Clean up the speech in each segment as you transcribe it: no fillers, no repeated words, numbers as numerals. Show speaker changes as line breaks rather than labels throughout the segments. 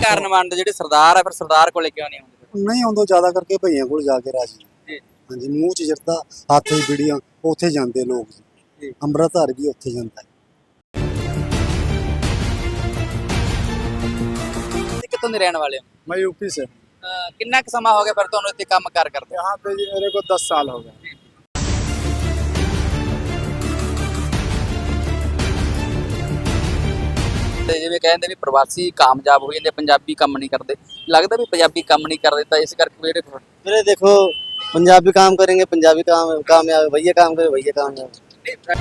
ਕਾਰਨ ਮੰਨਦੇ ਜਿਹੜੇ ਸਰਦਾਰ ਆ ਫਿਰ ਸਰਦਾਰ ਕੋਲੇ ਕਿਉਂ ਨਹੀਂ ਆਉਂਦੇ?
ਨਹੀਂ ਆਉਂਦਾ ਜ਼ਿਆਦਾ ਕਰਕੇ ਭਈਆਂ ਕੋਲ ਜਾ ਕੇ ਰਾਜੀ
ਜੀ
ਹਾਂਜੀ ਮੂੰਹ 'ਚ ਜਰਦਾ ਹੱਥ 'ਚ ਬੀੜੀਆਂ ਉੱਥੇ ਜਾਂਦੇ ਲੋਕ
ਜੀ।
ਅੰਮ੍ਰਿਤਧਾਰੀ ਵੀ ਉੱਥੇ ਜਾਂਦਾ
ਤੁਸੀਂ ਕਿੱਥੋਂ ਦੇ ਰਹਿਣ ਵਾਲੇ ਹੋ?
मैं यूपी से।
ਕਿੰਨਾ ਕੁ ਸਮਾਂ ਹੋ ਗਿਆ ਫਿਰ ਤੁਹਾਨੂੰ ਇੱਥੇ ਕੰਮ ਕਾਰ ਕਰਦੇ?
यहाँ पे जी मेरे को 10 साल हो गए।
ਤੇ ਜਿਵੇਂ ਕਹਿੰਦੇ ਵੀ ਪ੍ਰਵਾਸੀ ਕਾਮਯਾਬ ਹੋ ਜਾਂਦੇ ਪੰਜਾਬੀ ਕੰਮ ਨਹੀਂ ਕਰਦੇ, ਲੱਗਦਾ ਵੀ ਪੰਜਾਬੀ ਕੰਮ ਨਹੀਂ ਕਰਦੇ ਤਾਂ ਇਸ ਕਰਕੇ ਵੀਰੇ
मेरे देखो पंजाबी काम करेंगे पंजाबी काम कामयाब भैया काम करे भैया कामयाब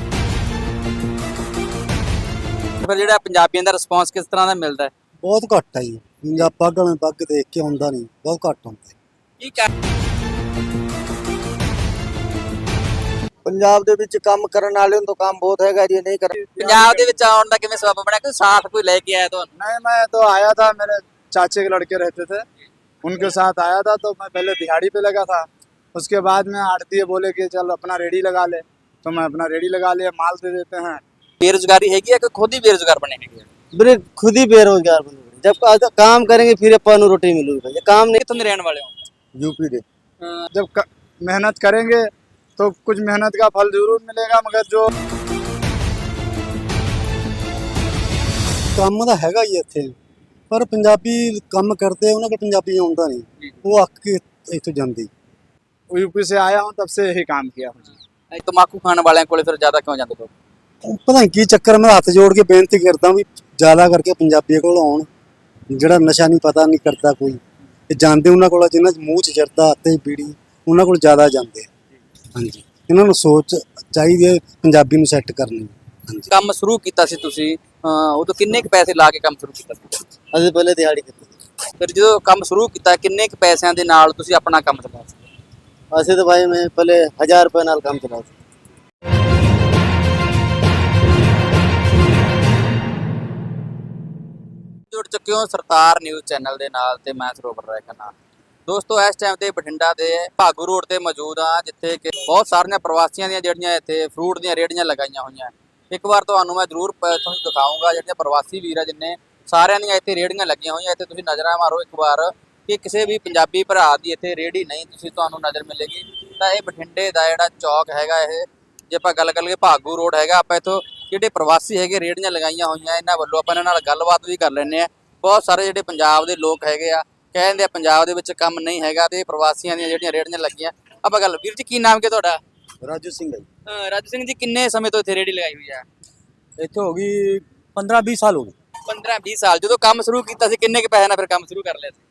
ਫਿਰ ਜਿਹੜਾ ਪੰਜਾਬੀਆਂ ਦਾ ਰਿਸਪੌਂਸ ਕਿਸ ਤਰ੍ਹਾਂ ਦਾ ਮਿਲਦਾ ਹੈ?
ਬਹੁਤ ਘੱਟ ਹੈ ਜੀ ਪੰਜਾਬ ਪੱਗ ਵਾਲੇ ਪੱਗ ਦੇਖ ਕੇ ਆਉਂਦਾ ਨਹੀਂ ਬਹੁਤ ਘੱਟ ਹੁੰਦਾ
ਕੀ ਕਰ
ਪੰਜਾਬ ਦੇ ਵਿੱਚ ਕੰਮ ਕਰਨ ਵਾਲੇ ਨੂੰ ਤਾਂ ਕੰਮ ਬਹੁਤ ਹੈਗਾ ਜੀ ਨਹੀਂ ਕਰ
ਪੰਜਾਬ ਦੇ ਵਿੱਚ ਆਉਣ ਦਾ ਕਿਵੇਂ ਸਬਬ ਬਣਿਆ? ਕੋਈ ਸਾਥ ਕੋਈ ਲੈ ਕੇ ਆਇਆ ਤੁਹਾਨੂੰ?
नहीं, मैं तो आया था, मेरे चाचे के लड़के रहते थे, उनके साथ आया था। तो मैं पहले दिहाड़ी पे लगा था, उसके बाद में आड़ती बोले कि चल अपना रेडी लगा ले, तो मैं अपना रेडी लगा लिया, माल दे देते हैं।
ਬੇਰੁਜ਼ਗਾਰੀ ਹੈਗੀ ਹੈ ਕਿ ਖੁਦ ਹੀ ਬੇਰੁਜ਼ਗਾਰ ਬਣੇ ਹੈਗੇ?
ਵੀਰੇ खुद ही बेरोजगार बने जब काम करेंगे फिर अपन रोटी मिलेगी भैया काम नहीं
ਕਿੱਥੋਂ ਦੇ ਰਹਿਣ ਵਾਲੇ ਹੋ?
यूपी दे
जब मेहनत करेंगे तो कुछ मेहनत का फल जरूर मिलेगा, मगर जो
ਕੰਮ ਤਾਂ ਹੈਗਾ ਹੀ ਇੱਥੇ ਪਰ ਪੰਜਾਬੀ ਕੰਮ ਕਰਦੇ ਉਹਨਾਂ ਕੋਲ ਪੰਜਾਬੀ ਆਉਂਦਾ ਨਹੀਂ ਉਹ ਅੱਕ ਕੇ ਇੱਥੋਂ ਜਾਂਦੀ
यूपी से आया हूँ तब से यही काम किया हूँ जी।
ਤਮਾਕੂ ਖਾਣ ਵਾਲਿਆਂ ਕੋਲੇ ਫਿਰ ਜ਼ਿਆਦਾ ਕਿਉਂ ਜਾਂਦੇ ਲੋਕ?
ਪਤਾ ਨਹੀਂ ਕੀ ਚੱਕਰ ਮੈਂ ਹੱਥ ਜੋੜ ਕੇ ਬੇਨਤੀ ਕਰਦਾ ਵੀ ਜ਼ਿਆਦਾ ਕਰਕੇ ਪੰਜਾਬੀ ਕੋਲ ਆਉਣ ਜਿਹੜਾ ਨਸ਼ਾ ਨਹੀਂ ਪਤਾ ਨਹੀਂ ਕਰਦਾ ਕੋਈ ਇਹ ਜਾਂਦੇ ਉਹਨਾਂ ਕੋਲ ਜਿਨ੍ਹਾਂ ਚ ਮੂੰਹ 'ਚ ਜਰਦਾ ਹੱਥੇ ਬੀੜੀ ਉਹਨਾਂ ਕੋਲ ਜ਼ਿਆਦਾ ਜਾਂਦੇ ਹਾਂਜੀ ਇਹਨਾਂ ਨੂੰ ਸੋਚ ਚਾਹੀਦੀ ਹੈ ਪੰਜਾਬੀ ਨੂੰ ਸੈੱਟ ਕਰਨੀ ਹਾਂਜੀ
ਕੰਮ ਸ਼ੁਰੂ ਕੀਤਾ ਸੀ ਤੁਸੀਂ ਉਦੋਂ ਕਿੰਨੇ ਕੁ ਪੈਸੇ ਲਾ ਕੇ ਕੰਮ ਸ਼ੁਰੂ ਕੀਤਾ ਸੀ?
ਅਸੀਂ ਪਹਿਲੇ ਦਿਹਾੜੀ ਕੀਤੀ
ਫਿਰ ਜਦੋਂ ਕੰਮ ਸ਼ੁਰੂ ਕੀਤਾ ਕਿੰਨੇ ਕੁ ਪੈਸਿਆਂ ਦੇ ਨਾਲ ਤੁਸੀਂ ਆਪਣਾ ਕੰਮ ਚਲਾਇਆ ਸੀ?
ਅਸੀਂ ਤਾਂ ਭਾਈ ਮੈਂ ਪਹਿਲੇ 1000 ਰੁਪਏ ਨਾਲ ਕੰਮ ਚਲਾਇਆ ਸੀ
ਜੁੜ ਚੁੱਕੇ ਹੋ ਸਰਦਾਰ ਨਿਊਜ਼ ਚੈਨਲ ਦੇ ਨਾਲ ਤੇ ਮੈਂ ਸਰੋਵਰ ਰਾਏ ਖੰਨਾ। ਦੋਸਤੋ ਇਸ ਟਾਈਮ ਤੇ ਬਠਿੰਡਾ ਦੇ ਭਾਗੂ ਰੋਡ ਤੇ ਮੌਜੂਦ ਆ ਜਿੱਥੇ ਕਿ ਬਹੁਤ ਸਾਰੀਆਂ ਪ੍ਰਵਾਸੀਆਂ ਦੀਆਂ ਜਿਹੜੀਆਂ ਇੱਥੇ ਫਰੂਟ ਦੀਆਂ ਰੇਹੜੀਆਂ ਲਗਾਈਆਂ ਹੋਈਆਂ। ਇੱਕ ਵਾਰ ਤੁਹਾਨੂੰ ਮੈਂ ਜ਼ਰੂਰ ਤੁਹਾਨੂੰ ਦਿਖਾਊਂਗਾ ਜਿਹੜੀਆਂ ਪ੍ਰਵਾਸੀ ਵੀਰ ਆ ਜਿੰਨੇ ਸਾਰਿਆਂ ਦੀਆਂ ਇੱਥੇ ਰੇਹੜੀਆਂ ਲੱਗੀਆਂ ਹੋਈਆਂ। ਇੱਥੇ ਤੁਸੀਂ ਨਜ਼ਰਾਂ ਮਾਰੋ ਇੱਕ ਵਾਰ ਕਿ ਕਿਸੇ ਵੀ ਪੰਜਾਬੀ ਭਰਾ ਦੀ ਇੱਥੇ ਰੇਹੜੀ ਨਹੀਂ ਤੁਸੀਂ ਤੁਹਾਨੂੰ ਨਜ਼ਰ ਮਿਲੇਗੀ। ਤਾਂ ਇਹ ਬਠਿੰਡੇ ਦਾ ਜਿਹੜਾ ਚੌਕ ਹੈਗਾ ਇਹ ਜੇ ਆਪਾਂ ਗੱਲ ਕਰੀਏ ਭਾਗੂ ਰੋਡ ਹੈਗਾ ਆਪਾਂ ਇੱਥੋਂ ਜਿਹੜੇ ਪ੍ਰਵਾਸੀ ਹੈਗੇ ਰੇਹੜੀਆਂ ਲਗਾਈਆਂ ਹੋਈਆਂ ਇਹਨਾਂ ਵੱਲੋਂ ਆਪਾਂ ਇਹਨਾਂ ਨਾਲ ਗੱਲਬਾਤ ਵੀ ਕਰ ਲੈਂਦੇ ਆ। ਬਹੁਤ ਸਾਰੇ ਜਿਹੜੇ ਪੰਜਾਬ ਦੇ ਲੋਕ ਹੈਗੇ ਆ ਕਹਿੰਦੇ ਆ ਪੰਜਾਬ ਦੇ ਵਿੱਚ ਕੰਮ ਨਹੀਂ ਹੈਗਾ ਤੇ ਪ੍ਰਵਾਸੀਆਂ ਦੀਆਂ ਜਿਹੜੀਆਂ ਰੇਹੜੀਆਂ ਲੱਗੀਆਂ। ਆਪਾਂ ਗੱਲ ਵੀਰ ਜੀ ਕੀ ਨਾਮ ਕੀ ਤੁਹਾਡਾ?
ਰਾਜੂ ਸਿੰਘ ਹੈ ਜੀ
ਰਾਜੂ ਸਿੰਘ ਜੀ ਕਿੰਨੇ ਸਮੇਂ ਤੋਂ ਇੱਥੇ ਰੇਹੜੀ ਲਗਾਈ ਹੋਈ ਆ?
ਇੱਥੇ ਹੋ ਗਈ 15-20 ਸਾਲ ਹੋ ਗਏ
15-20 ਸਾਲ। ਜਦੋਂ ਕੰਮ ਸ਼ੁਰੂ ਕੀਤਾ ਸੀ ਕਿੰਨੇ ਕੁ ਪੈਸੇ ਨਾਲ ਫਿਰ ਕੰਮ ਸ਼ੁਰੂ ਕਰ ਲਿਆ ਸੀ?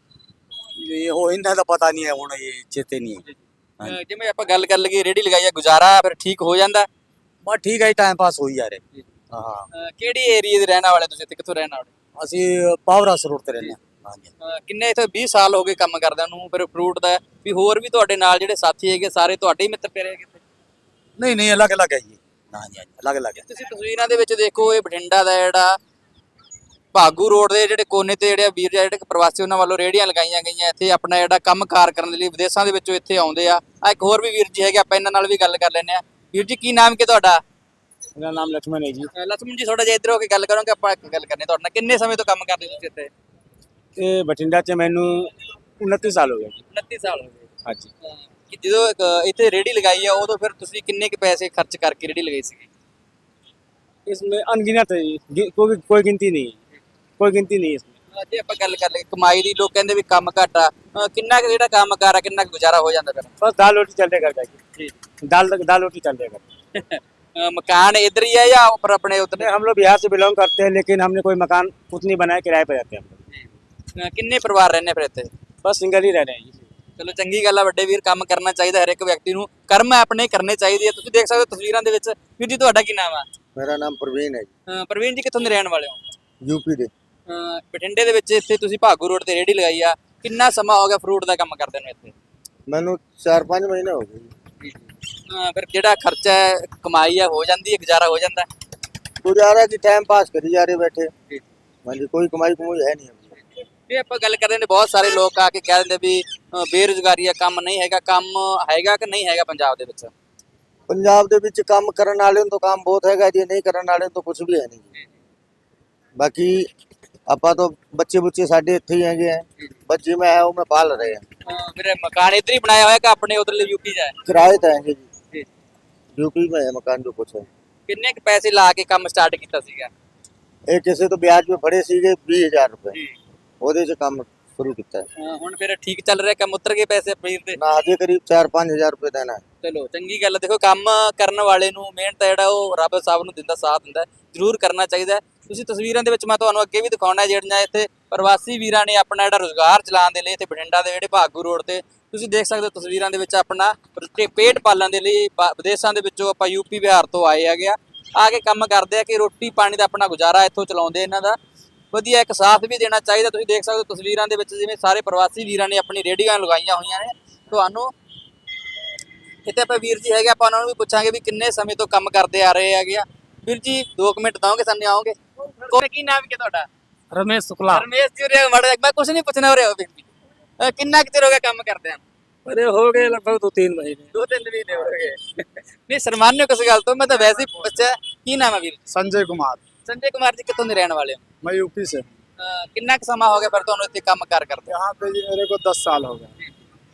ਇਹ ਹੋ ਇਹਨਾਂ ਦਾ ਪਤਾ ਨਹੀਂ ਹੈ ਹੁਣ ਇਹ ਚੇਤੇ ਨਹੀਂ ਹੈ
ਜਿਵੇਂ ਆਪਾਂ ਗੱਲ ਕਰ ਲਈਏ ਰੇਹੜੀ ਲਗਾਈ ਆ ਗੁਜ਼ਾਰਾ ਫਿਰ ਠੀਕ ਹੋ ਜਾਂਦਾ?
ਬਸ ਠੀਕ ਹੈ ਟਾਈਮ ਪਾਸ ਹੋਈ ਜਾ ਰਿਹਾ ਹਾਂ
ਕਿਹੜੀ ਏਰੀਆ ਦੇ ਰਹਿਣ ਵਾਲੇ ਤੁਸੀਂ ਤੇ ਕਿੱਥੋਂ ਰਹਿਣ ਵਾਲੇ?
ਅਸੀਂ ਪਾਵਰਾਸ ਰੋਡ ਤੇ ਰਹਿੰਦੇ ਹਾਂ ਹਾਂਜੀ
ਕਿੰਨੇ ਇੱਥੇ 20 ਸਾਲ ਹੋ ਗਏ ਕੰਮ ਕਰਦਿਆਂ ਨੂੰ ਫਿਰ ਫਰੂਟ ਦਾ ਵੀ ਹੋਰ ਵੀ ਤੁਹਾਡੇ ਨਾਲ ਜਿਹੜੇ ਸਾਥੀ ਹੈਗੇ ਸਾਰੇ ਤੁਹਾਡੇ ਹੀ ਮਿੱਤਰ ਪਿਆਰੇ ਹੈਗੇ?
ਨਹੀਂ ਨਹੀਂ ਅਲੱਗ ਅਲੱਗ ਹੈ ਜੀ ਹਾਂਜੀ ਹਾਂਜੀ ਅਲੱਗ ਅਲੱਗ ਹੈ
ਤੁਸੀਂ ਤਸਵੀਰਾਂ ਦੇ ਵਿੱਚ ਦੇਖੋ ਇਹ ਬਠਿੰਡਾ ਦਾ ਜਿਹੜਾ ਭਾਗੂ ਰੋਡ ਦੇ ਜਿਹੜੇ ਕੋਨੇ ਤੇ ਜਿਹੜੇ ਵੀਰ ਜਿਹੜੇ ਪ੍ਰਵਾਸੀ ਉਹਨਾਂ ਵੱਲੋਂ ਰੇਹੜੀਆਂ ਲਗਾਈਆਂ ਗਈਆਂ ਇੱਥੇ ਆਪਣਾ ਜਿਹੜਾ ਕੰਮਕਾਰ ਕਰਨ ਦੇ ਲਈ ਵਿਦੇਸ਼ਾਂ ਦੇ ਵਿੱਚੋਂ ਇੱਥੇ ਆਉਂਦੇ ਆ। ਇੱਕ ਹੋਰ ਵੀ ਵੀਰ ਜੀ ਹੈਗੇ ਆਪਾਂ ਇਹਨਾਂ ਨਾਲ ਵੀ ਗੱਲ ਕਰ ਲੈਂਦੇ ਆ। ਵੀਰ ਜੀ ਕੀ ਨਾਮ ਕੀ ਤੁਹਾਡਾ?
मेरा नाम लक्ष्मण है जी।
ਲక్ష్ਮਣ ਜੀ ਥੋੜਾ ਜਿਹਾ ਇੱਧਰ ਹੋ ਕੇ ਗੱਲ ਕਰੋਗੇ ਆਪਾਂ ਇੱਕ ਗੱਲ ਕਰਨੀ ਤੁਹਾਡੇ ਨਾਲ। ਕਿੰਨੇ ਸਮੇਂ ਤੋਂ ਕੰਮ ਕਰਦੇ ਤੁਸੀਂ ਇੱਥੇ?
ये बठिंडा से मैनू 29 साल हो गए।
29 ਸਾਲ ਹੋ ਗਏ।
हाँ जी।
ਕਿ ਜਦੋਂ ਇੱਥੇ ਰੇਹੜੀ ਲਗਾਈ ਆ ਉਦੋਂ ਫਿਰ ਤੁਸੀਂ ਕਿੰਨੇ ਕੁ ਪੈਸੇ ਖਰਚ ਕਰਕੇ ਰੇਹੜੀ ਲਗਾਈ ਸੀਗੀ?
इसमें अनगिनत है जी, कोई गिनती नहीं है, कोई गिनती नहीं है इसमें।
ਜੇ ਆਪਾਂ ਗੱਲ ਕਰ ਲਈਏ ਕਮਾਈ ਦੀ ਲੋਕ ਕਹਿੰਦੇ ਵੀ ਕੰਮ ਘੱਟ ਆ ਕਿੰਨਾ ਕੁ ਜਿਹੜਾ ਕੰਮ ਕਾਰ ਆ ਕਿੰਨਾ ਕੁ ਗੁਜ਼ਾਰਾ ਹੋ ਜਾਂਦਾ ਫਿਰ?
बस दाल रोटी चल रहा करता है जी। दाल रोटी चल रहा करता है।
ਮਕਾਨ ਇੱਧਰ ही है या ऊपर अपने उतने?
हम लोग बिहार से बिलोंग करते हैं, लेकिन हमने कोई मकान खुद नहीं बनाया, किराए पर रहते हैं हम लोग।
ਕਿੰਨੇ ਪਰਿਵਾਰ ਰਹਿੰਦੇ ਫਿਰ ਇੱਥੇ?
बस सिंगल ही रह रहे हैं जी।
ਚਲੋ ਚੰਗੀ ਗੱਲ ਆ ਵੱਡੇ ਵੀਰ ਕੰਮ ਕਰਨਾ ਚਾਹੀਦਾ ਹਰ ਇੱਕ ਵਿਅਕਤੀ ਨੂੰ ਕਰਮ ਆਪਣੇ ਕਰਨੇ ਚਾਹੀਦੇ ਆ। ਤੁਸੀਂ ਦੇਖ ਸਕਦੇ ਹੋ ਤਸਵੀਰਾਂ ਦੇ ਵਿੱਚ। ਵੀਰ ਜੀ ਤੁਹਾਡਾ ਕੀ ਨਾਮ ਆ?
ਮੇਰਾ ਨਾਮ ਪ੍ਰਵੀਨ ਹੈ ਜੀ
ਪ੍ਰਵੀਨ ਜੀ ਕਿੱਥੋਂ ਦੇ ਰਹਿਣ ਵਾਲੇ ਹੋ?
ਯੂਪੀ ਦੇ
ਬਠਿੰਡੇ ਦੇ ਵਿੱਚ ਇੱਥੇ ਤੁਸੀਂ ਭਾਗੂ ਰੋਡ ਤੇ ਰੇਹੜੀ ਲਗਾਈ ਆ। ਕਿੰਨਾ ਸਮਾਂ ਹੋ ਗਿਆ ਫਰੂਟ ਦਾ ਕੰਮ ਕਰਦੇ ਨੂੰ ਇੱਥੇ?
ਮੈਨੂੰ 4-5 ਮਹੀਨੇ ਹੋ ਗਏ ਜੀ
ਫਿਰ ਜਿਹੜਾ ਖਰਚਾ ਹੈ ਕਮਾਈ ਹੈ ਹੋ ਜਾਂਦੀ ਹੈ ਗੁਜ਼ਾਰਾ ਹੋ ਜਾਂਦਾ?
ਗੁਜ਼ਾਰਾ ਕੀ ਟਾਈਮ ਪਾਸ ਕਰੀ ਜਾ ਰਹੇ ਬੈਠੇ ਹਾਂਜੀ ਕੋਈ ਕਮਾਈ ਕਮਾਈ ਹੈ ਨਹੀਂ
ਇਹ ਆਪਾਂ ਗੱਲ ਕਰਦੇ ਨੇ ਬਹੁਤ ਸਾਰੇ ਲੋਕ ਆ ਕੇ ਕਹਿ ਦਿੰਦੇ ਵੀ ਬੇਰੁਜ਼ਗਾਰੀ ਆ ਕੰਮ ਨਹੀਂ ਹੈਗਾ। ਕੰਮ ਹੈਗਾ ਕਿ ਨਹੀਂ ਹੈਗਾ ਪੰਜਾਬ ਦੇ ਵਿੱਚ?
ਪੰਜਾਬ ਦੇ ਵਿੱਚ ਕੰਮ ਕਰਨ ਵਾਲੇ ਨੂੰ ਤਾਂ ਕੰਮ ਬਹੁਤ ਹੈਗਾ ਜੀ ਨਹੀਂ ਕਰਨ ਵਾਲੇ ਨੂੰ ਤਾਂ ਕੁਝ ਵੀ ਹੈ ਨਹੀਂ ਬਾਕੀ
ਆਪਾਂ ਤਾਂ ਬੱਚੇ ਬੁੱਚੇ ਸਾਡੇ ਇੱਥੇ ਹੀ ਹੈਗੇ ਆ, ਬੱਚੇ ਮੈਂ ਹੈ ਉਹ ਮੈਂ ਪਾਲ ਰਹੇ ਆ।
ਫਿਰ ਮਕਾਨ ਇੱਧਰ ਹੀ ਬਣਾਇਆ ਹੋਇਆ ਕਿ ਆਪਣੇ ਉਧਰਲੇ ਯੂਪੀ 'ਚ ਹੈ?
ਕਿਰਾਏ ਤੇ ਹੈਗੇ ਜੀ,
ਜੀ।
यूपी में है मकान जो कुछ है।
ਕਿੰਨੇ ਕੁ ਪੈਸੇ ਲਾ ਕੇ ਕੰਮ ਸਟਾਰਟ ਕੀਤਾ ਸੀਗਾ?
ਇਹ ਕਿਸੇ ਤੋਂ ਵਿਆਜ पे ਫੜੇ ਸੀਗੇ 20000 ਰੁਪਏ,
ਜੀ।
ਉਹਦੇ 'ਚ ਕੰਮ ਸ਼ੁਰੂ ਕੀਤਾ ਹੈ।
ਹੁਣ ਫਿਰ ਠੀਕ ਚੱਲ ਰਿਹਾ ਕੰਮ, ਉਤਰ ਗਏ ਪੈਸੇ ਪੀਰ ਦੇ?
ਨਾ ਹਜੇ ਕਰੀਬ 4-5000 ਰੁਪਏ ਦੇਣਾ ਹੈ।
ਚਲੋ ਚੰਗੀ ਗੱਲ ਹੈ। ਦੇਖੋ ਕੰਮ ਕਰਨ ਵਾਲੇ ਨੂੰ ਮਿਹਨਤ ਹੈ ਜਿਹੜਾ ਉਹ ਰੱਬ ਸਾਹਿਬ ਨੂੰ ਦਿੰਦਾ, ਸਾਥ ਦਿੰਦਾ, ਜ਼ਰੂਰ ਕਰਨਾ ਚਾਹੀਦਾ। ਤੁਸੀਂ ਤਸਵੀਰਾਂ ਦੇ ਵਿੱਚ ਮੈਂ ਤੁਹਾਨੂੰ ਅੱਗੇ ਵੀ ਦਿਖਾਉਣਾ ਜਿਹੜੀਆਂ ਇੱਥੇ ਪ੍ਰਵਾਸੀ ਵੀਰਾਂ ਨੇ ਆਪਣਾ ਜਿਹੜਾ ਰੁਜ਼ਗਾਰ ਚਲਾਉਣ ਦੇ ਲਈ ਇੱਥੇ ਬਠਿੰਡਾ ਦੇ ਜਿਹੜੇ ਭਾਗੂ ਰੋਡ ਤੇ ਤੁਸੀਂ ਦੇਖ ਸਕਦੇ ਹੋ ਤਸਵੀਰਾਂ ਦੇ ਵਿੱਚ ਆਪਣਾ ਪੇਟ ਪਾਲਣ ਦੇ ਲਈ ਵਿਦੇਸ਼ਾਂ ਦੇ ਵਿੱਚੋਂ ਆਪਾਂ ਯੂਪੀ ਬਿਹਾਰ ਤੋਂ ਆਏ ਹੈਗੇ ਆ ਕੇ ਕੰਮ ਕਰਦੇ ਆ ਕਿ ਰੋਟੀ ਪਾਣੀ ਦਾ ਆਪਣਾ ਗੁਜ਼ਾਰਾ ਇੱਥੋਂ ਚਲਾਉਂਦੇ। ਇਹਨਾਂ ਦਾ ਵਧੀਆ ਇੱਕ ਸਾਥ ਵੀ ਦੇਣਾ ਚਾਹੀਦਾ। ਤੁਸੀਂ ਦੇਖ ਸਕਦੇ ਹੋ ਤਸਵੀਰਾਂ ਦੇ ਵਿੱਚ ਜਿਵੇਂ ਸਾਰੇ ਪ੍ਰਵਾਸੀ ਵੀਰਾਂ ਨੇ ਆਪਣੀ ਰੇਹੜੀਆਂ ਲਗਾਈਆਂ ਹੋਈਆਂ ਨੇ। ਤੁਹਾਨੂੰ ਇੱਥੇ ਆਪਾਂ ਵੀਰ ਜੀ ਹੈਗੇ, ਆਪਾਂ ਉਹਨਾਂ ਨੂੰ ਵੀ ਪੁੱਛਾਂਗੇ ਵੀ ਕਿੰਨੇ ਸਮੇਂ ਤੋਂ ਕੰਮ ਕਰਦੇ ਆ ਰਹੇ ਹੈਗੇ ਆ। ਵੀਰ ਜੀ 2 ਮਿੰਟ ਦਓਗੇ ਸਾਨੂੰ? ਆਓਗੇ? ਕੀ ਨਾਮ ਹੈ ਤੁਹਾਡਾ?
रमेश शुक्ला।
ਰਮੇਸ਼ ਜੀ ਉਰੇ ਮਾੜਾ ਜਿਹਾ, ਮੈਂ ਕੁਝ ਨਹੀਂ ਪੁੱਛਣਾ ਉਰੇ ਵੀਰ ਜੀ। ਕਿੰਨਾ ਕੁ ਚਿਰ ਹੋ ਗਿਆ ਕੰਮ ਕਰਦੇ ਆ?
अरे हो गए लगभग 2-3 महीने।
2-3 ਮਹੀਨੇ ਹੋ ਗਏ। ਨਹੀਂ ਸ਼ਰਮਾਨਿਓ ਕਿਸ ਗੱਲ ਤੋਂ, ਮੈਂ ਤਾਂ ਵੈਸੇ ਹੀ ਪੁੱਛਿਆ। ਕੀ ਨਾਮ ਹੈ ਵੀਰ?
संजय कुमार।
ਸੰਜੇ ਕੁਮਾਰ ਜੀ ਕਿੱਥੋਂ ਦੇ ਰਹਿਣ ਵਾਲੇ ਹੋ?
मैं यूपी से हूँ।
ਕਿੰਨਾ ਕੁ ਸਮਾਂ ਹੋ ਗਿਆ ਫਿਰ ਤੁਹਾਨੂੰ ਇੱਥੇ ਕੰਮ ਕਾਰ ਕਰਦੇ?
यहाँ पे जी मेरे को 10 साल हो गए।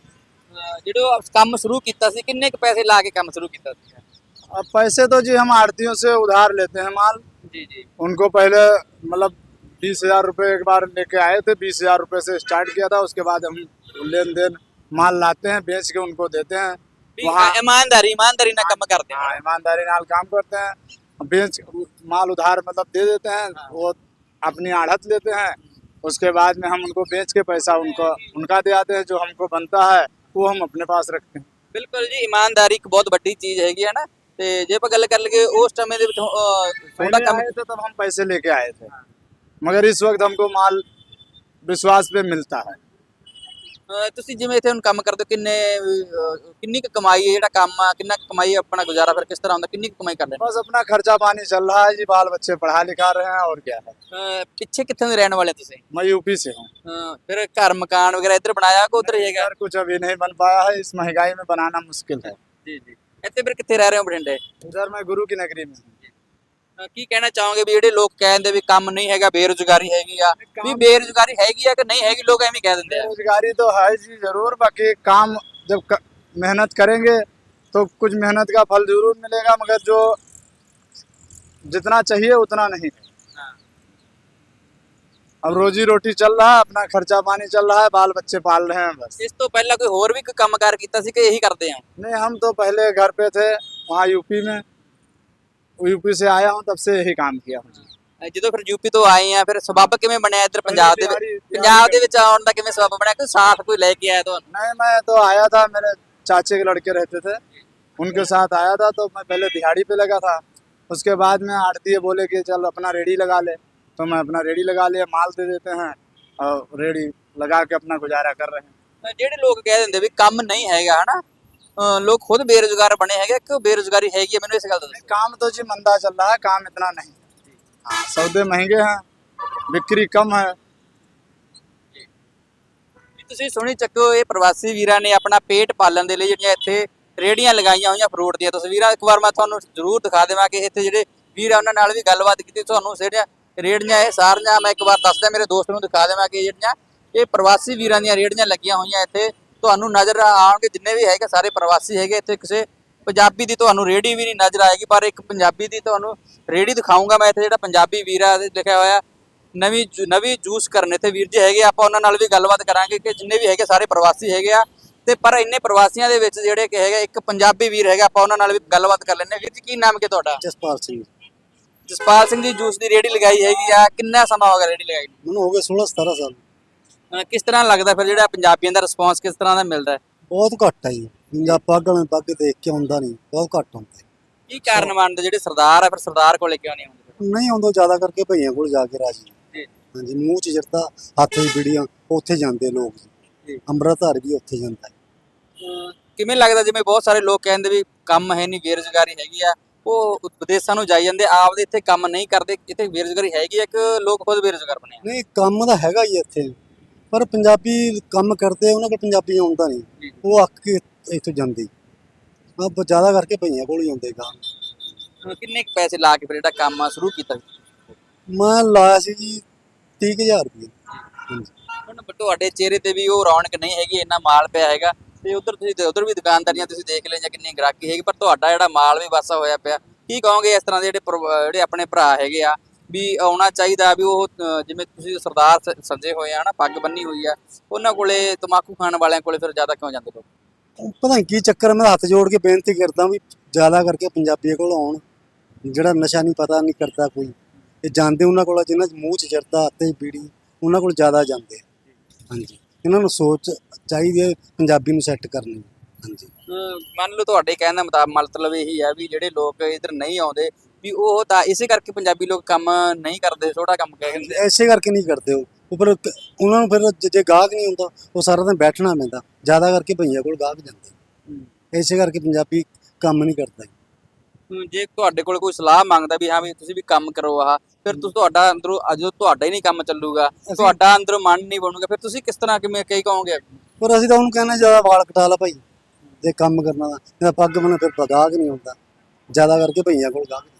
ਜਦੋਂ ਕੰਮ ਸ਼ੁਰੂ ਕੀਤਾ ਸੀ ਕਿੰਨੇ ਕੁ ਪੈਸੇ ਲਾ ਕੇ ਕੰਮ ਸ਼ੁਰੂ ਕੀਤਾ ਸੀ?
अब पैसे तो जी हम आड़तियों से उधार लेते हैं माल।
ਜੀ ਜੀ।
उनको पहले मतलब 20,000 रुपए एक बार लेके आए थे, 20,000 रुपए से स्टार्ट किया था। उसके बाद हम लेन देन माल लाते हैं, बेच के उनको देते हैं। वहाँ
ईमानदारी ना काम करते हैं।
हाँ, ईमानदारी नाल काम करते हैं। बेच माल उधार मतलब दे देते हैं, वो अपनी आढ़त लेते हैं। उसके बाद में हम उनको बेच के पैसा उनका दे आते हैं। जो हमको बनता है वो हम अपने पास रखते हैं।
ਬਿਲਕੁਲ ਜੀ, ਇਮਾਨਦਾਰੀ ਇੱਕ ਬਹੁਤ ਵੱਡੀ ਚੀਜ਼ ਹੈਗੀ ਹੈ ਨਾ। ਤੇ ਜੇ ਆਪਾਂ ਗੱਲ ਕਰ ਲਈਏ ਉਸ ਸਮੇਂ ਦੇ ਵਿੱਚ ਤੁਹਾਡਾ
पहले
ਕੰਮ
आए थे तब हम पैसे लेके आए थे, मगर इस वक्त हमको माल विश्वास पे मिलता है।
ਤੁਸੀਂ ਜਿਵੇਂ ਇੱਥੇ ਹੁਣ ਕੰਮ ਕਰਦੇ ਹੋ ਕਿੰਨੀ ਕੁ ਕਮਾਈ ਹੈ? ਜਿਹੜਾ ਕੰਮ ਆ ਕਿੰਨਾ ਕੁ ਕਮਾਈ ਆਪਣਾ ਗੁਜ਼ਾਰਾ ਫਿਰ ਕਿਸ ਤਰ੍ਹਾਂ ਹੁੰਦਾ? ਕਿੰਨੀ ਕੁ ਕਮਾਈ ਕਰਦੇ ਨੇ?
बस अपना खर्चा पानी चल रहा है जी, बाल बच्चे पढ़ा लिखा रहे हैं और क्या है।
ਪਿੱਛੇ ਕਿੱਥੋਂ ਦੇ ਰਹਿਣ ਵਾਲੇ ਤੁਸੀਂ?
मैं यूपी से हूँ।
ਫਿਰ ਘਰ ਮਕਾਨ ਵਗੈਰਾ ਇੱਧਰ ਬਣਾਇਆ ਕਿ ਉੱਧਰ ਹੀ ਹੈਗਾ?
यार कुछ अभी नहीं बन पाया है, इस महंगाई में बनाना मुश्किल है।
ਜੀ ਜੀ। ਇੱਥੇ ਫਿਰ ਕਿੱਥੇ ਰਹਿ ਰਹੇ ਹੋ ਬਠਿੰਡੇ?
इधर मैं गुरु की नगरी में हूँ।
ਕੀ ਕਹਿਣਾ ਚਾਹੋਗੇ ਵੀ ਜਿਹੜੇ ਲੋਕ ਕਹਿੰਦੇ ਵੀ ਕੰਮ ਨਹੀਂ ਹੈਗਾ, ਬੇਰੁਜ਼ਗਾਰੀ ਹੈਗੀ ਆ, ਵੀ ਬੇਰੁਜ਼ਗਾਰੀ ਹੈਗੀ ਆ ਕਿ ਨਹੀਂ ਹੈਗੀ? ਲੋਕ ਐਵੇਂ ਕਹਿ ਦਿੰਦੇ ਆ।
बेरोजगारी तो है जी जरूर, बाकी काम जब मेहनत करेंगे तो कुछ मेहनत का फल जरूर मिलेगा, मगर जो जितना चाहिए उतना नहीं। अब रोजी रोटी चल रहा है, अपना खर्चा पानी चल रहा है, बाल बच्चे पाल रहे हैं बस।
ਇਸ ਤੋਂ ਪਹਿਲਾਂ ਕੋਈ ਹੋਰ ਵੀ ਕੋਈ ਕੰਮਕਾਰ ਕੀਤਾ ਸੀ ਕਿ ਇਹੀ ਕਰਦੇ ਆ?
नहीं, हम तो पहले घर पे थे वहाँ यूपी में, यूपी से आया हूँ, तब से यही काम किया हूँ।
ਜਦੋਂ ਫਿਰ ਯੂਪੀ ਤੋਂ ਆਏ ਆ ਫਿਰ ਸਬੱਬ ਕਿਵੇਂ ਬਣਿਆ ਇੱਧਰ ਪੰਜਾਬ ਦੇ ਵਿੱਚ?
ਤਿਆਰੀ
ਪੰਜਾਬ ਦੇ ਵਿੱਚ ਆਉਣ ਦਾ ਕਿਵੇਂ ਸਬੱਬ ਬਣਿਆ? ਕੋਈ ਸਾਥ ਕੋਈ ਲੈ ਕੇ ਆਇਆ ਤੁਹਾਨੂੰ?
नहीं, मैं तो आया था, मेरे चाचे के लड़के रहते थे, उनके साथ आया था। तो मैं पहले दिहाड़ी पे लगा था, उसके बाद में आड़ती बोले कि चल अपना रेडी लगा ले, तो मैं अपना रेडी लगा लिया। माल दे देते हैं और रेडी लगा के अपना गुजारा कर रहे हैं।
ਜਿਹੜੇ ਲੋਕ ਕਹਿ ਦਿੰਦੇ ਵੀ ਕੰਮ ਨਹੀਂ ਹੈਗਾ ਹਨਾ, ਲੋਕ ਖੁਦ ਬੇਰੁਜ਼ਗਾਰ ਬਣੇ ਹੈਗੇ ਕਿ ਬੇਰੁਜ਼ਗਾਰੀ ਹੈਗੀ ਹੈ? ਮੈਨੂੰ ਇਸ ਗੱਲ ਦਾ ਦੱਸੋ।
काम तो जी मंदा चल रहा है, काम इतना नहीं। हाँ, सौदे महंगे हैं, बिक्री कम है।
ਤੁਸੀਂ ਸੁਣੀ ਚੱਕੋ, ਇਹ ਪ੍ਰਵਾਸੀ ਵੀਰਾਂ ਨੇ ਆਪਣਾ ਪੇਟ ਪਾਲਣ ਦੇ ਲਈ ਜਿਹੜੀਆਂ ਇੱਥੇ ਰੇੜੀਆਂ ਲਗਾਈਆਂ ਹੋਈਆਂ ਫਰੂਟ ਦੀਆਂ ਤਸਵੀਰਾਂ ਇੱਕ ਵਾਰ ਮੈਂ ਤੁਹਾਨੂੰ ਜ਼ਰੂਰ ਦਿਖਾ ਦੇਵਾਂ ਕਿ ਇੱਥੇ ਜਿਹੜੇ ਵੀਰ ਆ ਉਹਨਾਂ ਨਾਲ ਵੀ ਗੱਲਬਾਤ ਕੀਤੀ। ਤੁਹਾਨੂੰ ਜਿਹੜੀਆਂ ਰੇੜੀਆਂ ਇਹ ਸਾਰੀਆਂ ਮੈਂ ਇੱਕ ਵਾਰ ਦੱਸਦਾ ਮੇਰੇ ਦੋਸਤ ਨੂੰ ਦਿਖਾ ਦੇਵਾਂ ਕਿ ਜਿਹੜੀਆਂ ਇਹ ਪ੍ਰਵਾਸੀ ਵੀਰਾਂ ਦੀਆਂ ਰੇੜੀਆਂ ਲੱਗੀਆਂ ਹੋਈਆਂ ਇੱਥੇ ਤੁਹਾਨੂੰ ਨਜ਼ਰ ਆਉਣਗੇ। ਜਿੰਨੇ ਵੀ ਹੈਗੇ ਸਾਰੇ ਪ੍ਰਵਾਸੀ ਹੈਗੇ। ਇੱਥੇ ਕਿਸੇ ਪੰਜਾਬੀ ਦੀ ਤੁਹਾਨੂੰ ਰੇੜੀ ਵੀ ਨਹੀਂ ਨਜ਼ਰ ਆਏਗੀ, ਪਰ ਇੱਕ ਪੰਜਾਬੀ ਦੀ ਤੁਹਾਨੂੰ ਰੇੜੀ ਦਿਖਾਊਂਗਾ ਮੈਂ ਇੱਥੇ। ਜਿਹੜਾ ਪੰਜਾਬੀ ਵੀਰ ਆ ਲਿਖਿਆ ਹੋਇਆ ਨਵੀਂ ਜੂਸ ਕਰਨ ਇੱਥੇ ਵੀਰ ਜੀ ਹੈਗੇ। ਆਪਾਂ ਉਹਨਾਂ ਨਾਲ ਵੀ ਗੱਲਬਾਤ ਕਰਾਂਗੇ ਕਿ ਜਿੰਨੇ ਵੀ ਹੈਗੇ ਸਾਰੇ ਪ੍ਰਵਾਸੀ ਹੈਗੇ ਆ। ਤੇ ਪਰ ਇੰਨੇ ਪ੍ਰਵਾਸੀਆਂ ਦੇ ਵਿੱਚ ਜਿਹੜੇ ਕਿ ਹੈਗਾ ਇੱਕ ਪੰਜਾਬੀ ਵੀਰ ਹੈਗਾ, ਆਪਾਂ ਉਹਨਾਂ ਨਾਲ ਵੀ ਗੱਲਬਾਤ ਕਰ ਲੈਂਦੇ। ਵੀਰ ਜੀ ਕੀ ਨਾਮ ਹੈ ਤੁਹਾਡਾ?
ਜਸਪਾਲ ਸਿੰਘ।
ਜਸਪਾਲ ਸਿੰਘ ਜੀ ਜੂਸ ਦੀ ਰੇੜੀ ਲਗਾਈ ਹੈਗੀ ਆ, ਕਿੰਨਾ ਸਮਾਂ ਹੋ ਗਿਆ ਰੇੜੀ ਲਗਾਈ ਨੂੰ?
ਮੈਨੂੰ ਹੋ ਗਏ 16-17 ਸਾਲ।
ਕਿਸ ਤਰ੍ਹਾਂ ਲੱਗਦਾ ਫਿਰ ਜਿਹੜਾ ਪੰਜਾਬੀਆਂ ਦਾ ਰਿਸਪੌਂਸ ਕਿਸ ਤਰ੍ਹਾਂ ਦਾ ਮਿਲਦਾ ਹੈ?
ਬਹੁਤ ਘੱਟ ਹੈ ਜੀ, ਪੰਜਾਬ ਪਾਗਲ ਪੱਗ ਦੇਖ ਕੇ ਆਉਂਦਾ ਨਹੀਂ, ਬਹੁਤ ਘੱਟ ਹੁੰਦਾ।
ਕੀ ਕਾਰਨ ਮੰਨਦੇ ਜਿਹੜੇ ਸਰਦਾਰ ਆ ਫਿਰ ਸਰਦਾਰ ਕੋਲੇ ਕਿਉਂ ਨਹੀਂ ਆਉਂਦੇ?
ਨਹੀਂ ਆਉਂਦਾ, ਜ਼ਿਆਦਾ ਕਰਕੇ ਭਈਆਂ ਕੋਲ ਜਾ ਕੇ ਰਾਜੀ।
ਜੀ
ਹਾਂਜੀ, ਮੂੰਹ 'ਚ ਜਰਦਾ ਹੱਥ 'ਚ ਬੀੜੀਆਂ, ਉੱਥੇ ਜਾਂਦੇ ਲੋਕ ਜੀ।
ਜੀ।
ਅੰਮ੍ਰਿਤਧਾਰ ਵੀ ਉੱਥੇ ਜਾਂਦਾ ਹੈ।
ਕਿਵੇਂ ਲੱਗਦਾ ਜਿਵੇਂ ਬਹੁਤ ਸਾਰੇ ਲੋਕ ਕਹਿੰਦੇ ਵੀ ਕੰਮ ਹੈ ਨਹੀਂ, ਬੇਰੁਜ਼ਗਾਰੀ ਹੈਗੀ ਆ, ਉਹ ਵਿਦੇਸ਼ਾਂ ਨੂੰ ਜਾਈ ਜਾਂਦੇ, ਆਪਦੇ ਇੱਥੇ ਕੰਮ ਨਹੀਂ ਕਰਦੇ? ਇੱਥੇ ਬੇਰੁਜ਼ਗਾਰੀ ਹੈਗੀ ਆ ਕਿ ਲੋਕ ਖੁਦ ਬੇਰੁਜ਼ਗਾਰ ਬਣੇ ਆ?
ਨਹੀਂ, ਕੰਮ ਤਾਂ ਹੈਗਾ ਹੀ ਇੱਥੇ, ਪਰ ਪੰਜਾਬੀ ਕੰਮ ਕਰਦੇ ਉਹਨਾਂ ਕੋਲ ਪੰਜਾਬੀ ਆਉਂਦਾ ਨਹੀਂ, ਉਹ ਅੱਕ ਕੇ ਇੱਥੋਂ ਜਾਂਦੇ। ਜ਼ਿਆਦਾ ਕਰਕੇ ਭਈਆਂ ਕੋਲ ਹੀ ਆਉਂਦੇ ਕੰਮ।
ਕਿੰਨੇ ਕੁ ਪੈਸੇ ਲਾ ਕੇ ਫਿਰ ਜਿਹੜਾ ਕੰਮ ਆ ਸ਼ੁਰੂ ਕੀਤਾ?
ਮੈਂ ਲਾਇਆ ਸੀ ਜੀ 30,000 ਰੁਪਏ। ਹਾਂਜੀ।
ਹੁਣ ਤੁਹਾਡੇ ਚਿਹਰੇ ਤੇ ਵੀ ਉਹ ਰੌਣਕ ਨਹੀਂ ਹੈਗੀ, ਇੰਨਾ ਮਾਲ ਪਿਆ ਹੈਗਾ ਤੇ ਉਧਰ ਤੁਸੀਂ ਉਧਰ ਵੀ ਦੁਕਾਨਦਾਰੀਆਂ ਤੁਸੀਂ ਦੇਖ ਲਈਆਂ ਕਿੰਨੀ ਗ੍ਰਾਹਕੀ ਹੈਗੀ, ਪਰ ਤੁਹਾਡਾ ਜਿਹੜਾ ਮਾਲ ਵੀ ਵਾਸਾ ਹੋਇਆ ਪਿਆ। ਕੀ ਕਹੋਗੇ ਇਸ ਤਰ੍ਹਾਂ ਦੇ ਜਿਹੜੇ ਆਪਣੇ ਭਰਾ ਹੈਗੇ ਆ ਵੀ ਆਉਣਾ ਚਾਹੀਦਾ ਵੀ ਉਹ ਜਿਵੇਂ ਤੁਸੀਂ ਸਰਦਾਰ ਸੱਜੇ ਹੋਏ ਆ ਨਾ, ਪੱਗ ਬੰਨੀ ਹੋਈ ਆ, ਉਹਨਾਂ ਕੋਲੇ ਤਮਾਕੂ ਖਾਣ ਵਾਲਿਆਂ ਕੋਲੇ ਫਿਰ ਜ਼ਿਆਦਾ ਕਿਉਂ ਜਾਂਦੇ ਲੋਕ?
ਪਤਾ ਨਹੀਂ ਕੀ ਚੱਕਰ, ਮੈਂ ਹੱਥ ਜੋੜ ਕੇ ਬੇਨਤੀ ਕਰਦਾ ਵੀ ਜ਼ਿਆਦਾ ਕਰਕੇ ਪੰਜਾਬੀਆਂ ਕੋਲ ਆਉਣ। ਜਿਹੜਾ ਨਸ਼ਾ ਨਹੀਂ ਪਤਾ ਨਹੀਂ ਕਰਦਾ ਕੋਈ, ਇਹ ਜਾਂਦੇ ਉਹਨਾਂ ਕੋਲ ਜਿਨ੍ਹਾਂ 'ਚ ਮੂੰਹ 'ਚ ਜਰਦਾ, ਹੱਥੇ ਬੀੜੀ, ਉਹਨਾਂ ਕੋਲ ਜ਼ਿਆਦਾ ਜਾਂਦੇ ਆ। ਹਾਂਜੀ, ਇਹਨਾਂ ਨੂੰ ਸੋਚ ਚਾਹੀਦੀ ਹੈ ਪੰਜਾਬੀ ਨੂੰ ਸੈੱਟ ਕਰਨੀ। ਹਾਂਜੀ।
ਮੰਨ ਲਓ ਤੁਹਾਡੇ ਕਹਿਣ ਦਾ ਮਤਲਬ ਇਹੀ ਹੈ ਵੀ ਜਿਹੜੇ ਲੋਕ ਇੱਧਰ ਨਹੀਂ ਆਉਂਦੇ ਵੀ ਉਹ ਤਾਂ ਇਸੇ ਕਰਕੇ ਪੰਜਾਬੀ ਲੋਕ ਕੰਮ ਨਹੀਂ ਕਰਦੇ, ਛੋਟਾ ਕੰਮ ਕਹਿੰਦੇ।
ਐਸੇ ਕਰਕੇ ਨਹੀਂ ਕਰਦੇ ਉਹ ਉੱਪਰ ਉਹਨਾਂ ਨੂੰ ਫਿਰ ਜੇ ਗਾਹਕ ਨਹੀਂ ਹੁੰਦਾ ਉਹ ਸਾਰਾ ਦਿਨ ਬੈਠਣਾ ਪੈਂਦਾ, ਜ਼ਿਆਦਾ ਕਰਕੇ ਭਈਆ ਕੋਲ ਗਾਹਕ ਜਾਂਦੇ। ਇਸੇ ਕਰਕੇ ਪੰਜਾਬੀ ਕੰਮ ਨਹੀਂ ਕਰਦਾ।
ਜੇ ਤੁਹਾਡੇ ਕੋਲ ਕੋਈ ਸਲਾਹ ਮੰਗਦਾ ਵੀ ਹਾਂ ਵੀ ਤੁਸੀਂ ਵੀ ਕੰਮ ਕਰੋ ਆਹ, ਫਿਰ ਤੁਸੀਂ ਤੁਹਾਡਾ ਅੰਦਰੋਂ ਜਦੋਂ ਤੁਹਾਡਾ ਹੀ ਨਹੀਂ ਕੰਮ ਚੱਲੂਗਾ, ਤੁਹਾਡਾ ਅੰਦਰੋਂ ਮਨ ਨਹੀਂ ਬਣੂਗਾ, ਫਿਰ ਤੁਸੀਂ ਕਿਸ ਤਰ੍ਹਾਂ ਕਿਵੇਂ ਕਹੀ ਕਹੋਗੇ?
ਪਰ ਅਸੀਂ ਤਾਂ ਉਹਨੂੰ ਕਹਿੰਦੇ ਜ਼ਿਆਦਾ ਵਾਲ ਕਟਾ ਲਾ ਭਾਈ, ਜੇ ਕੰਮ ਕਰਨਾ ਤਾਂ ਪੱਗ ਬਣਾ, ਫਿਰ ਗਾਹਕ ਨਹੀਂ ਹੁੰਦਾ, ਜ਼ਿਆਦਾ ਕਰਕੇ ਭਈਆ ਕੋਲ ਗਾਹਕ।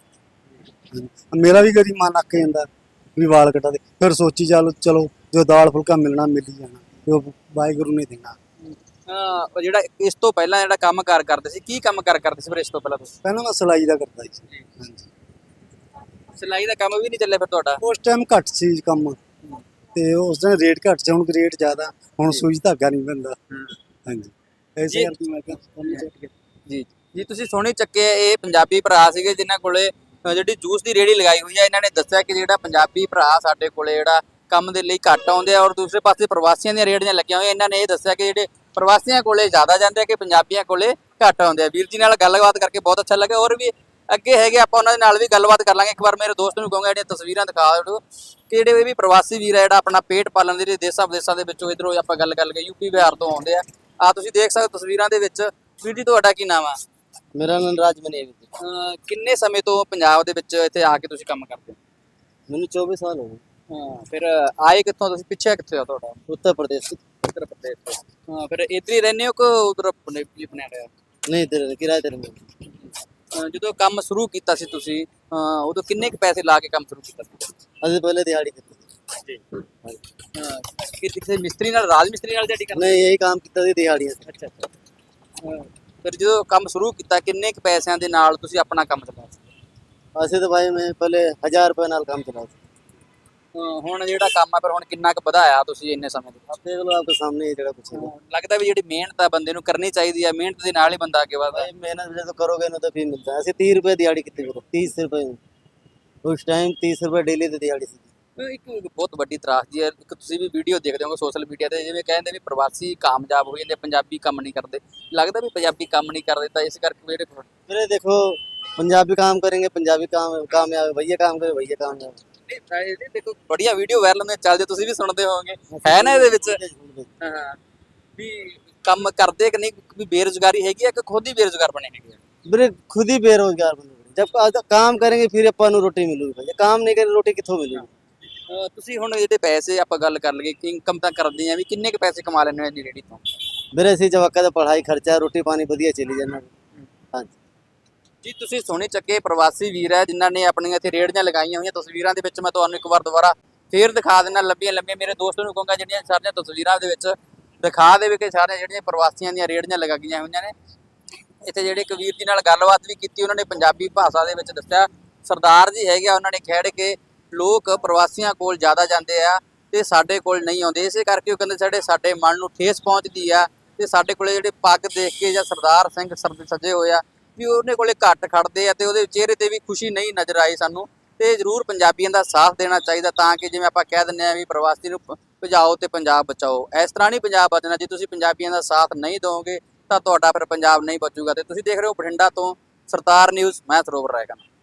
ਮੇਰਾ ਵੀ ਕਦੀ ਮਨ ਅੱਕ ਜਾਂਦਾ ਵੀ ਵਾਲ ਕਟਾ ਦੇ, ਫਿਰ ਸੋਚੀ ਚਲੋ ਜੋ ਦਾਲ ਫੁਲਕਾ ਮਿਲਣਾ ਮਿਲ ਹੀ ਜਾਣਾ, ਜੋ ਵਾਹਿਗੁਰੂ ਨੇ ਦੇਣਾ।
ਜਿਹੜਾ ਇਸ ਤੋਂ ਪਹਿਲਾਂ ਜਿਹੜਾ ਕੰਮ ਕਾਰ ਕਰਦੇ ਸੀ, ਕੀ ਕੰਮ ਕਾਰ ਕਰਦੇ ਸੀ ਫਿਰ ਇਸ ਤੋਂ ਪਹਿਲਾਂ ਤੁਸੀਂ?
ਪਹਿਲਾਂ ਮੈਂ ਸਿਲਾਈ ਦਾ ਕਰਦਾ ਸੀ। ਹਾਂਜੀ।
ਸਿਲਾਈ ਦਾ ਕੰਮ ਵੀ ਨਹੀਂ ਚੱਲਿਆ ਫਿਰ ਤੁਹਾਡਾ?
ਉਸ ਟਾਈਮ ਘੱਟ ਸੀ ਕੰਮ, ਤੇ ਉਸ ਦਿਨ ਰੇਟ ਘੱਟ ਸੀ, ਹੁਣ ਰੇਟ ਜ਼ਿਆਦਾ, ਹੁਣ ਸੂਈ ਧਾਗਾ ਨਹੀਂ ਪੈਂਦਾ। ਹਾਂਜੀ, ਐਸੇ ਕਰਕੇ ਮੈਂ ਕਿਹਾ
ਜੀ ਜੀ। ਤੁਸੀਂ ਸੋਹਣੇ ਚੱਕੇ ਇਹ ਪੰਜਾਬੀ ਭਰਾ ਸੀਗੇ ਜਿਨ੍ਹਾਂ ਕੋਲੇ ਜਿਹੜੀ ਜੂਸ ਦੀ ਰੇਹੜੀ ਲਗਾਈ ਹੋਈ ਹੈ। ਇਹਨਾਂ ਨੇ ਦੱਸਿਆ ਕਿ ਜਿਹੜਾ ਪੰਜਾਬੀ ਭਰਾ ਸਾਡੇ ਕੋਲੇ ਜਿਹੜਾ ਕੰਮ ਦੇ ਲਈ ਘੱਟ ਆਉਂਦੇ ਆ, ਔਰ ਦੂਸਰੇ ਪਾਸੇ ਪ੍ਰਵਾਸੀਆਂ ਦੀਆਂ ਰੇਹੜੀਆਂ ਲੱਗੀਆਂ ਹੋਈਆਂ। ਇਹਨਾਂ ਨੇ ਇਹ ਦੱਸਿਆ ਕਿ ਜਿਹੜੇ ਪ੍ਰਵਾਸੀਆਂ ਕੋਲੇ ਜ਼ਿਆਦਾ ਜਾਂਦੇ ਆ ਕਿ ਪੰਜਾਬੀਆਂ ਕੋਲੇ ਘੱਟ ਆਉਂਦੇ ਆ। ਵੀਰ ਜੀ ਨਾਲ ਗੱਲਬਾਤ ਕਰਕੇ ਬਹੁਤ ਅੱਛਾ ਲੱਗਾ, ਔਰ ਵੀ ਅੱਗੇ ਹੈਗੇ ਆਪਾਂ ਉਹਨਾਂ ਦੇ ਨਾਲ ਵੀ ਗੱਲਬਾਤ ਕਰ ਲਾਂਗੇ। ਇੱਕ ਵਾਰ ਮੇਰੇ ਦੋਸਤ ਨੂੰ ਕਹੂੰਗਾ ਜਿਹੜੀਆਂ ਤਸਵੀਰਾਂ ਦਿਖਾ ਦਿਓ ਕਿ ਜਿਹੜੇ ਇਹ ਵੀ ਪ੍ਰਵਾਸੀ ਵੀਰ ਆ ਜਿਹੜਾ ਆਪਣਾ ਪੇਟ ਪਾਲਣ ਦੇ ਲਈ ਦੇਸ਼ਾਂ ਵਿਦੇਸ਼ਾਂ ਦੇ ਵਿੱਚੋਂ ਇੱਧਰੋਂ ਆਪਾਂ ਗੱਲ ਕਰ ਲਈਏ ਯੂਪੀ ਬਿਹਾਰ ਤੋਂ ਆਉਂਦੇ ਆ। ਤੁਸੀਂ ਦੇਖ ਸਕਦੇ ਤਸਵੀਰਾਂ ਦੇ ਵਿੱਚ। ਵੀਰ ਜੀ ਤੁਹਾਡਾ ਕੀ ਨਾਮ ਆ?
मेरा नाम राजमनी है।
ਕਿੰਨੇ ਸਮੇਂ ਤੋਂ ਪੰਜਾਬ ਦੇ ਵਿੱਚ ਇੱਥੇ ਆ ਕੇ ਤੁਸੀਂ ਕੰਮ ਕਰਦੇ ਹੋ?
मैंने 24 साल हो गए।
ਫਿਰ ਆਏ ਕਿੱਥੋਂ ਤੁਸੀਂ? ਪਿੱਛੇ ਕਿੱਥੇ ਆ ਤੁਹਾਡਾ?
उत्तर प्रदेश।
ਉੱਤਰ ਪ੍ਰਦੇਸ਼ ਤੋਂ। ਫਿਰ ਇੱਧਰ ਹੀ ਰਹਿੰਦੇ ਹੋ ਕਿ ਉਧਰ ਬਣਿਆ ਰਿਹਾ?
नहीं इधर किराए पर में।
ਜਦੋਂ ਕੰਮ ਸ਼ੁਰੂ ਕੀਤਾ ਸੀ ਤੁਸੀਂ ਉਦੋਂ ਕਿੰਨੇ ਕੁ ਪੈਸੇ ਲਾ ਕੇ ਕੰਮ ਸ਼ੁਰੂ ਕੀਤਾ ਸੀ?
अभी पहले दिहाड़ी करते थे।
ਕਿ ਕਿਸੇ ਮਿਸਤਰੀ ਨਾਲ, ਰਾਜ ਮਿਸਤਰੀ ਨਾਲ ਜਿਹੜੀ ਕਰਦੇ?
नहीं यही काम किया थी दिहाड़ियाँ।
ਅੱਛਾ ਅੱਛਾ। ਫਿਰ ਜਦੋਂ ਕੰਮ ਸ਼ੁਰੂ ਕੀਤਾ ਕਿੰਨੇ ਕੁ ਪੈਸਿਆਂ ਦੇ ਨਾਲ ਤੁਸੀਂ ਆਪਣਾ ਕੰਮ ਚਲਾਇਆ ਸੀ?
ऐसे तो भाई मैं पहले 1000 रुपये नाल काम चला था।
ਹੁਣ ਜਿਹੜਾ ਕੰਮ ਆ ਫਿਰ ਹੁਣ ਕਿੰਨਾ ਕੁ ਵਧਾਇਆ ਤੁਸੀਂ ਇੰਨੇ समੇਂ ਦੇ
अब देख लो आपके सामने ही जगह कुछ है।
ਲੱਗਦਾ ਵੀ ਜਿਹੜੀ ਮਿਹਨਤ ਆ ਬੰਦੇ ਨੂੰ ਕਰਨੀ ਚਾਹੀਦੀ ਆ, ਮਿਹਨਤ ਦੇ ਨਾਲ ਹੀ ਬੰਦਾ ਅੱਗੇ ਵਧਦਾ।
भाई मेहनत भी तो करोगे ना तो फिर मिलता है। ऐसे 30 रुपये दिहाड़ी कितनी करो? 30 रुपये उस टाइम 30 रुपये डेली तो दिहाड़ी थी।
ਇੱਕ ਬਹੁਤ ਵੱਡੀ ਤਰਾਸਦੀ ਹੈ। ਇੱਕ ਤੁਸੀਂ ਵੀ ਵੀਡੀਓ ਦੇਖਦੇ ਹੋਗੇ ਸੋਸ਼ਲ ਮੀਡੀਆ ਤੇ, ਜਿਵੇਂ ਕਹਿੰਦੇ ਵੀ ਪ੍ਰਵਾਸੀ ਕਾਮਯਾਬ ਹੋ ਜਾਂਦੇ, ਪੰਜਾਬੀ ਕੰਮ ਨਹੀਂ ਕਰਦੇ। ਲੱਗਦਾ ਵੀ ਪੰਜਾਬੀ ਕੰਮ ਨਹੀਂ ਕਰਦੇ ਤਾਂ ਇਸ ਕਰਕੇ ਜਿਹੜੇ
मेरे देखो पंजाबी काम करेंगे पंजाबी काम कामयाब, भैया काम करे भैया कामयाब।
ਦੇਖੋ ਬੜੀਆਂ ਵੀਡੀਓ ਵਾਇਰਲ ਹੁੰਦੀਆਂ ਚੱਲਦੇ, ਤੁਸੀਂ ਵੀ ਸੁਣਦੇ ਹੋਵੋਗੇ ਹੈ ਨਾ ਇਹਦੇ ਵਿੱਚ। ਹਾਂ ਵੀ ਕੰਮ ਕਰਦੇ ਕਿ ਨਹੀਂ, ਵੀ ਬੇਰੁਜ਼ਗਾਰੀ ਹੈਗੀ ਆ ਕਿ ਖੁਦ ਹੀ ਬੇਰੁਜ਼ਗਾਰ ਬਣੇ ਹੈਗੇ ਆ?
मेरे खुद ही बेरोजगार बने। जब काम करेंगे फिर अपन रोटी मिलेगी भैया, काम नहीं करें रोटी कितों मिलेगी?
ਤੁਸੀਂ ਹੁਣ ਜਿਹੜੇ ਪੈਸੇ ਆਪਾਂ ਗੱਲ ਕਰ ਲਈਏ ਕਿ ਇਨਕਮ ਤਾਂ ਕਰਦੇ ਆ ਵੀ ਕਿੰਨੇ ਕੁ ਪੈਸੇ ਕਮਾ ਲੈਂਦੇ ਹੋ ਇੰਨੀ ਰੇਹੜੀ ਤੋਂ?
मेरे ऐसे जवाका का पढ़ाई खर्चा रोटी पानी बढ़िया चली जाना। हाँ जी
ਜੀ ਤੁਸੀਂ ਸੋਹਣੇ ਚੱਕੇ ਪ੍ਰਵਾਸੀ ਵੀਰ ਹੈ ਜਿਨ੍ਹਾਂ ਨੇ ਆਪਣੀਆਂ ਇੱਥੇ ਰੇਹੜੀਆਂ ਲਗਾਈਆਂ ਹੋਈਆਂ। ਤਸਵੀਰਾਂ ਦੇ ਵਿੱਚ ਮੈਂ ਤੁਹਾਨੂੰ ਇੱਕ ਵਾਰ ਦੁਬਾਰਾ ਫੇਰ ਦਿਖਾ ਦਿੰਦਾ, ਲੰਬੀਆਂ ਲੰਬੀਆਂ। ਮੇਰੇ ਦੋਸਤ ਨੂੰ ਕਹੂੰਗਾ ਜਿਹੜੀਆਂ ਸਾਰੀਆਂ ਤਸਵੀਰਾਂ ਦੇ ਵਿੱਚ ਦਿਖਾ ਦੇਵੇ ਕਿ ਸਾਰੀਆਂ ਜਿਹੜੀਆਂ ਪ੍ਰਵਾਸੀਆਂ ਦੀਆਂ ਰੇਹੜੀਆਂ ਲਗਾਈਆਂ ਹੋਈਆਂ ਨੇ। ਇੱਥੇ ਜਿਹੜੇ ਇੱਕ ਵੀਰ ਜੀ ਨਾਲ ਗੱਲਬਾਤ ਵੀ ਕੀਤੀ, ਉਹਨਾਂ ਨੇ ਪੰਜਾਬੀ ਭਾਸ਼ਾ ਦੇ ਵਿੱਚ ਦੱਸਿਆ, ਸਰਦਾਰ ਜੀ ਹੈਗੇ ਆ, ਉਹਨਾਂ ਨੇ ਖੇਡ ਕੇ ਲੋਕ ਪ੍ਰਵਾਸੀਆਂ ਕੋਲ ਜ਼ਿਆਦਾ ਜਾਂਦੇ ਆ ਤੇ ਸਾਡੇ ਕੋਲ ਨਹੀਂ ਆਉਂਦੇ। ਇਸੇ ਕਰਕੇ ਉਹ ਕਹਿੰਦੇ ਸਾਡੇ ਮਨ ਨੂੰ ਠੇਸ ਪਹੁੰਚਦੀ ਆ ਤੇ ਸਾਡੇ ਕੋਲੇ ਜਿਹੜੇ ਪੱਗ ਦੇਖ ਕੇ ਜਾਂ ਸਰਦਾਰ ਸਿੰਘ ਸੱਜੇ ਹੋਏ ਆ ਵੀ ਉਹਨੇ ਕੋਲੇ ਘੱਟ ਖੜਦੇ ਆ ਤੇ ਉਹਦੇ ਚਿਹਰੇ ਤੇ ਵੀ ਖੁਸ਼ੀ ਨਹੀਂ ਨਜ਼ਰ ਆਈ ਸਾਨੂੰ। ਤੇ ਜ਼ਰੂਰ ਪੰਜਾਬੀਆਂ ਦਾ ਸਾਥ ਦੇਣਾ ਚਾਹੀਦਾ ਤਾਂ ਕਿ ਜਿਵੇਂ ਆਪਾਂ ਕਹਿ ਦਿੰਦੇ ਆ ਵੀ ਪ੍ਰਵਾਸੀ ਨੂੰ ਭਜਾਓ ਤੇ ਪੰਜਾਬ ਬਚਾਓ, ਇਸ ਤਰ੍ਹਾਂ ਨਹੀਂ ਪੰਜਾਬ ਬਚਣਾ। ਜੇ ਤੁਸੀਂ ਪੰਜਾਬੀਆਂ ਦਾ ਸਾਥ ਨਹੀਂ ਦਿਓਗੇ ਤਾਂ ਤੁਹਾਡਾ ਫਿਰ ਪੰਜਾਬ ਨਹੀਂ ਬਚੂਗਾ। ਤੇ ਤੁਸੀਂ ਦੇਖ ਰਹੇ ਹੋ ਬਠਿੰਡਾ ਤੋਂ ਸਰਦਾਰ ਨਿਊਜ਼, ਮੈਂ ਸਰੋਵਰ ਰਾਏਗਾ।